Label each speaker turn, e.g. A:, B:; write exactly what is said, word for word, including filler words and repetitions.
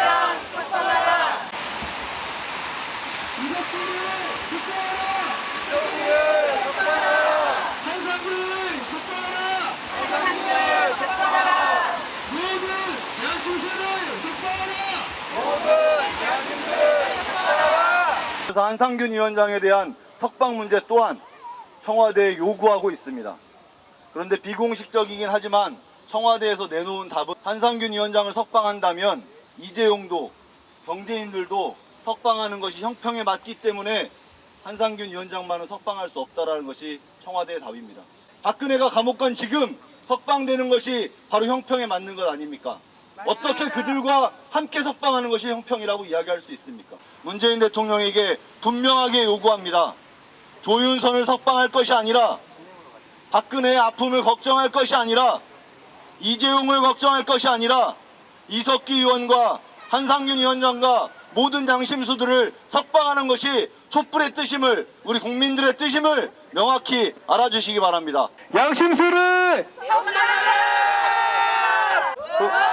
A: 위원장 석방하라.
B: 이것들을 석방하라.
A: 이것들을 석방하라.
B: 한상균을 석방하라.
A: 한상균을 석방하라.
B: 모든 양심세를 석방하라.
A: 모든 양심들을 석방하라.
C: 그래서 한상균 위원장에 대한 석방 문제 또한 청와대에 요구하고 있습니다. 그런데 비공식적이긴 하지만 청와대에서 내놓은 답은 한상균 위원장을 석방한다면 이재용도 경제인들도 석방하는 것이 형평에 맞기 때문에 한상균 위원장만은 석방할 수 없다라는 것이 청와대의 답입니다. 박근혜가 감옥 간 지금 석방되는 것이 바로 형평에 맞는 것 아닙니까? 어떻게 그들과 함께 석방하는 것이 형평이라고 이야기할 수 있습니까? 문재인 대통령에게 분명하게 요구합니다. 조윤선을 석방할 것이 아니라 박근혜의 아픔을 걱정할 것이 아니라 이재용을 걱정할 것이 아니라 이석기 의원과 한상균 위원장과 모든 양심수들을 석방하는 것이 촛불의 뜻임을, 우리 국민들의 뜻임을 명확히 알아주시기 바랍니다.
B: 양심수를
A: 석방하라.